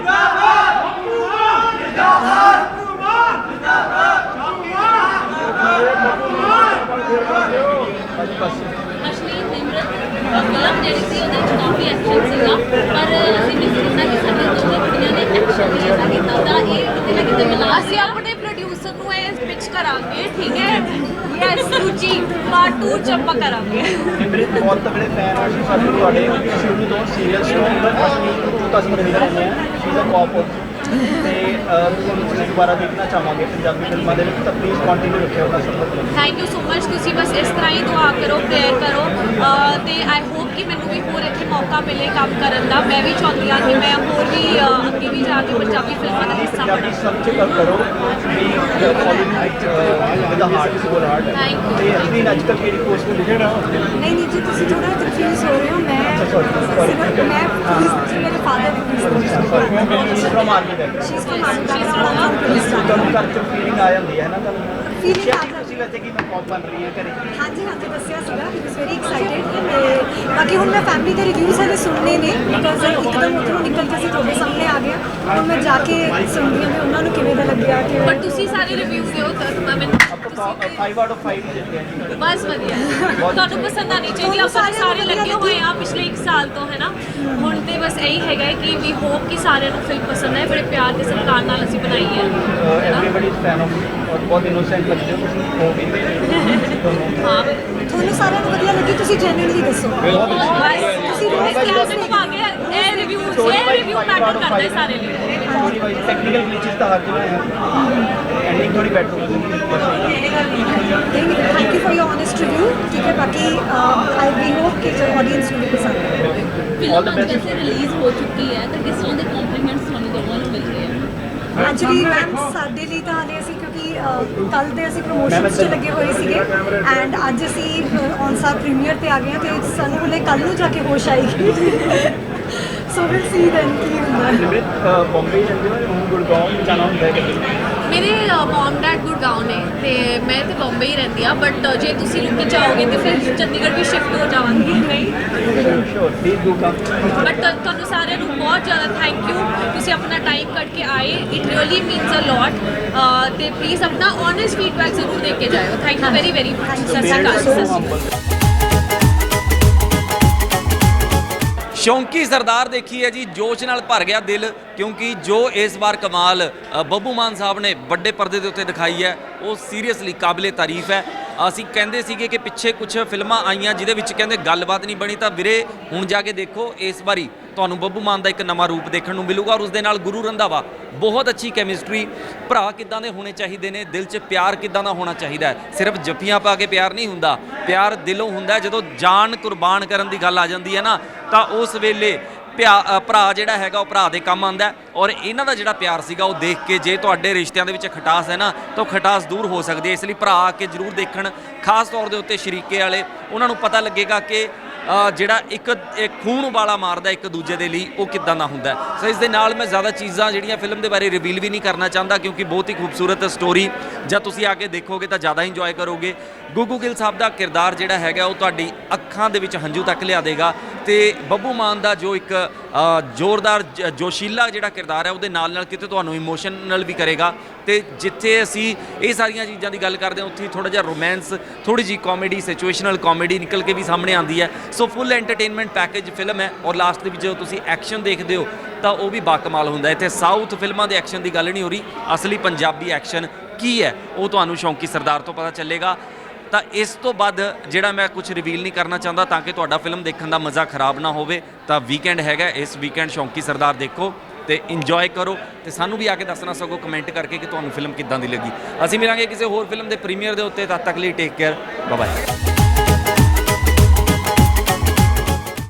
S12: ਅਸ਼ਲੀਲ ਨਿਮਰਤ ਫਿਲਮ ਜਿਹੜੀ ਸੀ ਉਹਦੇ ਵਿੱਚ ਕਾਫੀ ਐਕਸ਼ਨ ਸੀਗਾ ਪਰ ਅਸੀਂ ਮਿਸ ਕੀਤਾ ਕਿ ਸਾਡੇ ਦੋਵੇਂ ਕੁੜੀਆਂ ਨੇ ਐਕਸ਼ਨ ਨਹੀਂ ਐਸਾ ਕੀਤਾ ਤਾਂ ਇਹ ਕਿਤੇ ਨਾ ਕਿਤੇ ਮਿਲਾ। ਅਸੀਂ ਆਪਣੇ ਪ੍ਰੋਡਿਊਸਰ ਨੂੰ ਇਹ ਪਿਚ ਕਰਾਂਗੇ, ਠੀਕ ਹੈ? ਯੈਸ ਰੁਚੀ ਪਾਰਟ ਟੂ ਚ ਆਪਾਂ ਕਰਾਂਗੇ।
S11: ਨਿਮਰਤ ਬਹੁਤ ਤਗੜੇ ਫੈਨ ਆ ਅਸੀਂ ਸਾਨੂੰ ਤੁਹਾਡੇ ਸ਼ੁਰੂ ਤੋਂ ਸੀਰੀਅਲ ਤੋਂ ਅਸ਼ਲੀਲ ਤੋਂ ਅਸੀਂ ਮਿਲ ਰਹੇ ਹਾਂ ਸ਼ੀ ਦਾ ਕੌਪ ਤੇ ਤੁਹਾਨੂੰ ਤੁਸੀਂ ਦੁਬਾਰਾ ਦੇਖਣਾ ਚਾਹਾਂਗੇ ਪੰਜਾਬੀ ਫਿਲਮਾਂ ਦੇ ਵਿੱਚ ਤਾਂ ਪਲੀਜ਼ ਕੰਟੀਨਿਊ ਰੱਖਿਓ ਆਪਣਾ ਸਫਰ।
S12: Thank you so much. ਤੁਸੀਂ ਬਸ ਇਸ ਤਰ੍ਹਾਂ ਹੀ ਦੁਆ ਕਰੋ, ਪ੍ਰੇਅਰ ਕਰੋ ਅਹ ਤੇ ਆਈ ਹੋਪ ਕਿ ਮੈਨੂੰ ਵੀ ਹੋਰ ਇੱਥੇ ਮੌਕਾ ਮਿਲੇ ਕੰਮ ਕਰਨ ਦਾ। ਮੈਂ ਵੀ ਚਾਹੁੰਦੀ ਹਾਂ ਕਿ ਮੈਂ ਹੋਰ ਵੀ ਅਹ, ਅੱਗੇ ਵੀ ਜਾ ਕੇ ਪੰਜਾਬੀ ਫਿਲਮਾਂ ਦਾ ਹਿੱਸਾ ਬਣਾ।
S11: ਪੰਜਾਬੀ ਸਭ ਚ ਕਰੋ ਵੀ following with a heart soul heart
S12: Thank you.
S11: ਤੇ ਅਸੀਂ ਅੱਜ ਤੱਕ ਕਿਹੜੀ ਪੋਸਟ ਨੂੰ ਲਿਖਣਾ
S10: ਨਹੀਂ ਨਹੀਂ ਜੀ ਤੁਸੀਂ ਥੋੜਾ ਕਨਫਿਊਜ਼ ਹੋ ਰਹੇ ਹੋ। ਮੈਂ ਸਿਰਫ ਮੈਂ ਪੁਲਿਸ ਮੇਰੇ ਫਾਦਰ ਦੀ ਪੁਲਿਸ
S11: ਫਰਮ ਆਰਮੀ ਦਾ
S10: ਸ਼ੀਜ਼ ਫਰਮ ਆਰਮੀ ਬੈਕਗ੍ਰਾਉਂਡ ਪੁਲਿਸ
S11: ਤੁਹਾਨੂੰ ਘਰ ਚ ਫੀਲਿੰਗ ਆ ਜਾਂਦੀ ਹੈ ਨਾ ਤੁਹਾਨੂੰ
S10: Feeling ਆ ਜਾਂਦੀ
S11: ਤੁਸੀਂ ਵੈਸੇ ਕਿ ਮੈਂ ਕੌਪ ਬਣ ਰਹੀ ਹੈ ਘਰੇ?
S10: ਹਾਂਜੀ ਹਾਂਜੀ ਦੱਸਿਆ ਸੀਗਾ ਹੀ ਵਾਸ ਵੈਰੀ ਐਕਸਾਈਟਿਡ ਤੇ ਬਾਕੀ ਹੁਣ ਮੈਂ ਫੈਮਿਲੀ ਦੇ ਰਿਵਿਊਜ਼ ਹਲੇ ਸੁਣਨੇ ਨੇ ਬਿਕਾਜ਼ ਇੱਕਦਮ ਉੱਧਰੋਂ ਨਿਕਲ ਕੇ ਅਸੀਂ ਤੁਹਾਡੇ ਸਾਹਮਣੇ ਆ ਗਏ ਹੁਣ ਮੈਂ ਜਾ ਕੇ ਸੁਣਦੀ ਹਾਂ ਵੀ ਉਹਨਾਂ ਨੂੰ ਕਿਵੇਂ ਦਾ ਲੱਗਿਆ ਕਿ
S12: ਬਟ ਤੁਸੀਂ ਸਾਰੇ ਰਿਵਿਊ ਦਿਓ ਤਾਂ ਮੈਂ ਮੈਨੂੰ
S11: ਫਾਈਵ ਆਊਟ ਆਫ ਫਾਈਵ ਦਿੰਦੇ ਹਾਂ ਜੀ।
S12: ਬਸ ਵਧੀਆ ਤੁਹਾਨੂੰ ਪਸੰਦ ਆਣੀ ਚਾਹੀਦੀ। ਆਪਾਂ ਤਾਂ ਸਾਰੇ ਲੱਗੇ ਹੋਏ ਆ ਪਿਛਲੇ ਇੱਕ ਸਾਲ ਤੋਂ, ਹੈ ਨਾ? ਹੁਣ ਤੇ ਬਸ ਇਹੀ ਹੈਗਾ ਕਿ ਵੀ ਹੋਪ ਕਿ ਸਾਰਿਆਂ ਨੂੰ ਫਿਲਮ ਪਸੰਦ ਆਏ। ਬੜੇ ਪਿਆਰ ਤੇ ਸਤਿਕਾਰ ਨਾਲ ਅਸੀਂ ਬਣਾਈ ਹੈ।
S11: ਐਵਰੀਬਾਡੀ ਇਜ਼ ਫੈਨ ਆਫ ਔਰ ਬਹੁਤ ਇਨੋਸੈਂਟ ਲੱਗਦੇ ਹੋ ਤੁਸੀਂ ਹੋ ਵੀ
S12: ਹਾਂ
S10: ਤੁਹਾਨੂੰ ਸਾਰਿਆਂ ਨੂੰ ਵਧੀਆ ਲੱਗੀ ਤੁਸੀਂ ਜੈਨੂਇਨਲੀ ਦੱਸੋ।
S12: ਤੁਸੀਂ ਇਸ ਕਲਾਸ ਨੂੰ ਪਾ ਕੇ ਇਹ ਰਿਵਿਊ ਇਹ ਰਿਵਿਊ ਮੈਟਰ ਕਰਦਾ ਹੈ ਸਾਰੇ ਲਈ।
S11: ਥੋੜੀ ਵਾਈ ਟੈਕਨੀਕਲ ਗਲਿਚਸ ਤਾਂ ਹਰ ਜਗ੍ਹਾ ਹੈ ਐਂਡਿੰਗ ਥੋੜੀ ਬੈਟਰ ਹੋ ਜਾਂਦੀ ਹੈ।
S10: Thank you for your honest review. ठीक है बाकी आई वी होप कि जो ऑडियंस ਨੂੰ ਵੀ ਪਸੰਦ ਆਏ।
S12: ਫਿਲਮ ਜੈਸੇ ਰਿਲੀਜ਼ ਹੋ ਚੁੱਕੀ ਹੈ ਤਾਂ ਕਿਸ ਤਰ੍ਹਾਂ ਦੇ ਕੰਪਲੀਮੈਂਟਸ ਤੁਹਾਨੂੰ ਦੋਵਾਂ ਨੂੰ ਮਿਲ ਰਹੇ ਆ?
S10: ਐਕਚੁਅਲੀ ਮੈਮ ਸਾਡੇ ਲਈ ਤਾਂ ਹਾਲੇ ਅਸੀਂ ਕਿਉਂਕਿ ਕੱਲ ਦੇ ਅਸੀਂ ਪ੍ਰੋਮੋਸ਼ਨਸ 'ਚ ਲੱਗੇ ਹੋਏ ਸੀਗੇ ਐਂਡ ਅੱਜ ਅਸੀਂ ਔਨ ਸਾਰ ਪ੍ਰੀਮੀਅਰ ਤੇ ਆ ਗਏ ਹਾਂ ਤੇ ਸਾਨੂੰ ਹਲੇ ਕੱਲ ਨੂੰ ਜਾ ਕੇ ਹੋਸ਼ ਆਏਗੀ। ਸੋ ਵਿਲ ਸੀ ਦੈਨ ਕੀ ਹੁੰਦਾ ਹੈ।
S11: ਬੰਬਈ ਜਾਂਦੇ ਹੋ ਹੁਣ ਗੁੜਗਾਉਂ ਜਾਣਾ ਹੁੰਦਾ ਹੈ ਕਦੇ?
S12: ਮੇਰੇ ਮਮ ਡੈਡ ਗੁੜਗਾਉਂ ਨੇ ਤੇ ਮੈਂ ਤੇ ਬੰਬਈ ਹੀ ਰਹਿੰਦੀ ਆ ਬਟ ਜੇ ਤੁਸੀਂ ਲੁੱਕ ਜਾਓਗੇ ਤੇ ਫਿਰ ਚੰਡੀਗੜ੍ਹ ਵੀ ਸ਼ਿਫਟ ਹੋ ਜਾਵਾਂਗੀ। ਨਹੀਂ
S11: sure please do come.
S12: But ਤੁਹਾਨੂੰ ਸਾਰਿਆਂ ਨੂੰ ਬਹੁਤ ਜ਼ਿਆਦਾ ਥੈਂਕ ਯੂ। ਤੁਸੀਂ ਆਪਣਾ ਟਾਈਮ ਕੱਢ ਕੇ ਆਏ, it really means a lot ਤੇ ਪਲੀਜ਼ ਆਪਣਾ ਓਨੈਸਟ ਫੀਡਬੈਕ ਜ਼ਰੂਰ ਦੇ ਕੇ ਜਾਇਓ। Thank you very very much. ਸਤਿ ਸ਼੍ਰੀ ਅਕਾਲ। ਸਤਿ ਸ਼੍ਰੀ ਅਕਾਲ।
S3: ਸ਼ੌਂਕੀ ਸਰਦਾਰ ਦੇਖੀ ਹੈ ਜੀ, ਜੋਸ਼ ਨਾਲ ਭਰ ਗਿਆ ਦਿਲ ਕਿਉਂਕਿ ਜੋ ਇਸ ਵਾਰ ਕਮਾਲ ਅ, ਬੱਬੂ ਮਾਨ ਸਾਹਿਬ ਨੇ ਵੱਡੇ ਪਰਦੇ ਦੇ ਉੱਤੇ ਦਿਖਾਈ ਹੈ ਉਹ ਸੀਰੀਅਸਲੀ ਕਾਬਲੇ ਤਾਰੀਫ ਹੈ। ਅਸੀਂ ਕਹਿੰਦੇ ਸੀਗੇ ਕਿ ਪਿੱਛੇ ਕੁਝ ਫਿਲਮਾਂ ਆਈਆਂ ਜਿਹਦੇ ਵਿੱਚ ਕਹਿੰਦੇ ਗੱਲਬਾਤ ਨਹੀਂ ਬਣੀ, ਤਾਂ ਵੀਰੇ ਹੁਣ ਜਾ ਕੇ ਦੇਖੋ ਇਸ ਵਾਰੀ ਤੁਹਾਨੂੰ ਬੱਬੂ ਮਾਨ ਦਾ ਇੱਕ ਨਵਾਂ ਰੂਪ ਦੇਖਣ ਨੂੰ ਮਿਲੂਗਾ ਔਰ ਉਸ ਦੇ ਨਾਲ ਗੁਰੂ ਰੰਧਾਵਾ। ਬਹੁਤ ਅੱਛੀ ਕੈਮਿਸਟਰੀ। ਭਰਾ ਕਿੱਦਾਂ ਦੇ ਹੋਣੇ ਚਾਹੀਦੇ ਨੇ, ਦਿਲ 'ਚ ਪਿਆਰ ਕਿੱਦਾਂ ਦਾ ਹੋਣਾ ਚਾਹੀਦਾ ਹੈ। ਸਿਰਫ ਜੱਫੀਆਂ ਪਾ ਕੇ ਪਿਆਰ ਨਹੀਂ ਹੁੰਦਾ, ਪਿਆਰ ਦਿਲੋਂ ਹੁੰਦਾ। ਜਦੋਂ ਜਾਨ ਕੁਰਬਾਨ ਕਰਨ ਦੀ ਗੱਲ ਆ ਜਾਂਦੀ ਹੈ ਨਾ ਤਾਂ ਉਸ ਵੇਲੇ ਪਿਆ ਭਰਾ ਜਿਹੜਾ ਹੈਗਾ ਉਹ ਭਰਾ ਦੇ ਕੰਮ ਆਉਂਦਾ ਔਰ ਇਹਨਾਂ ਦਾ ਜਿਹੜਾ ਪਿਆਰ ਸੀਗਾ ਉਹ ਦੇਖ ਕੇ ਜੇ ਤੁਹਾਡੇ ਰਿਸ਼ਤਿਆਂ ਦੇ ਵਿੱਚ ਖਟਾਸ ਹੈ ਨਾ ਤਾਂ ਉਹ ਖਟਾਸ ਦੂਰ ਹੋ ਸਕਦੀ ਹੈ। ਇਸ ਲਈ ਭਰਾ ਆ ਕੇ ਜ਼ਰੂਰ ਦੇਖਣ, ਖਾਸ ਤੌਰ ਦੇ ਉੱਤੇ ਸ਼ਰੀਕੇ ਵਾਲੇ, ਉਹਨਾਂ ਨੂੰ ਪਤਾ ਲੱਗੇਗਾ ਕਿ ਅ, ਜਿਹੜਾ ਇੱਕ ਇੱਕ ਖੂਨ ਵਾਲਾ ਮਾਰਦਾ ਇੱਕ ਦੂਜੇ ਦੇ ਲਈ, ਉਹ ਕਿੱਦਾਂ ਦਾ ਹੁੰਦਾ ਹੈ। ਸੋ ਇਸ ਦੇ ਨਾਲ ਮੈਂ ਜ਼ਿਆਦਾ ਚੀਜ਼ਾਂ ਜਿਹੜੀਆਂ ਫਿਲਮ ਦੇ ਬਾਰੇ ਰਿਵੀਲ ਵੀ ਨਹੀਂ ਕਰਨਾ ਚਾਹੁੰਦਾ, ਕਿਉਂਕਿ ਬਹੁਤ ਹੀ ਖੂਬਸੂਰਤ ਸਟੋਰੀ, ਜਦ ਤੁਸੀਂ ਆ ਕੇ ਦੇਖੋਗੇ ਤਾਂ ਜ਼ਿਆਦਾ ਇੰਜੋਏ ਕਰੋਗੇ। ਗੁੱਗੂ ਗਿੱਲ ਸਾਹਿਬ ਦਾ ਕਿਰਦਾਰ ਜਿਹੜਾ ਹੈਗਾ ਉਹ ਤੁਹਾਡੀ ਅੱਖਾਂ ਦੇ ਵਿੱਚ ਹੰਝੂ ਤੱਕ ਲਿਆ ਦੇਗਾ, ਤੇ ਬੱਬੂ ਮਾਨ ਦਾ ਜੋ ਇੱਕ ਅ, ਜ਼ੋਰਦਾਰ ਜ- ਜੋਸ਼ੀਲਾ ਜਿਹੜਾ ਕਿਰਦਾਰ ਹੈ ਉਹਦੇ ਨਾਲ ਨਾਲ ਕਿਤੇ ਤੁਹਾਨੂੰ ਇਮੋਸ਼ਨਲ ਵੀ ਕਰੇਗਾ। ਤੇ ਜਿੱਥੇ ਅਸੀਂ ਇਹ ਸਾਰੀਆਂ ਚੀਜ਼ਾਂ ਦੀ ਗੱਲ ਕਰਦੇ ਹਾਂ ਉੱਥੇ ਥੋੜਾ ਜਿਹਾ ਰੋਮਾਂਸ, ਥੋੜੀ ਜਿਹੀ ਕਾਮੇਡੀ, ਸਿਚੁਏਸ਼ਨਲ ਕਾਮੇਡੀ ਨਿਕਲ ਕੇ ਵੀ ਸਾਹਮਣੇ ਆਉਂਦੀ ਹੈ। So full entertainment package film ਹੈ, ਔਰ ਲਾਸਟ ਦੇ ਵਿੱਚ ਜਦੋਂ ਤੁਸੀਂ ਐਕਸ਼ਨ ਦੇਖਦੇ ਹੋ ਤਾਂ ਉਹ ਵੀ ਬਾਕਮਾਲ ਹੁੰਦਾ। ਇੱਥੇ ਸਾਊਥ ਫਿਲਮਾਂ ਦੇ ਐਕਸ਼ਨ ਦੀ ਗੱਲ ਨਹੀਂ ਹੋ ਰਹੀ, ਅਸਲੀ ਪੰਜਾਬੀ ਐਕਸ਼ਨ ਕੀ ਹੈ ਉਹ ਤੁਹਾਨੂੰ ਸ਼ੌਂਕੀ ਸਰਦਾਰ ਤੋਂ ਪਤਾ ਚੱਲੇਗਾ। ਤਾਂ ਇਸ ਤੋਂ ਬਾਅਦ ਜਿਹੜਾ ਮੈਂ ਕੁਝ ਰਿਵੀਲ ਨਹੀਂ ਕਰਨਾ ਚਾਹੁੰਦਾ ਤਾਂ ਕਿ ਤੁਹਾਡਾ ਫਿਲਮ ਦੇਖਣ ਦਾ ਮਜ਼ਾ ਖਰਾਬ ਨਾ ਹੋਵੇ। ਤਾਂ ਵੀਕਐਂਡ ਹੈਗਾ, ਇਸ ਵੀਕਐਂਡ ਸ਼ੌਂਕੀ ਸਰਦਾਰ ਦੇਖੋ ਤੇ ਇੰਜੋਏ ਕਰੋ, ਤੇ ਸਾਨੂੰ ਵੀ ਆ ਕੇ ਦੱਸਣਾ ਸਗੋਂ ਕਮੈਂਟ ਕਰਕੇ ਕਿ ਤੁਹਾਨੂੰ ਫਿਲਮ ਕਿੱਦਾਂ ਦੀ ਲੱਗੀ। ਅਸੀਂ ਮਿਲਾਂਗੇ ਕਿਸੇ ਹੋਰ ਫਿਲਮ ਦੇ ਪ੍ਰੀਮੀਅਰ ਦੇ ਉੱਤੇ, ਤਦ ਤੱਕ ਲਈ ਟੇਕ ਕੇਅਰ, ਬਾਏ ਬਾਏ।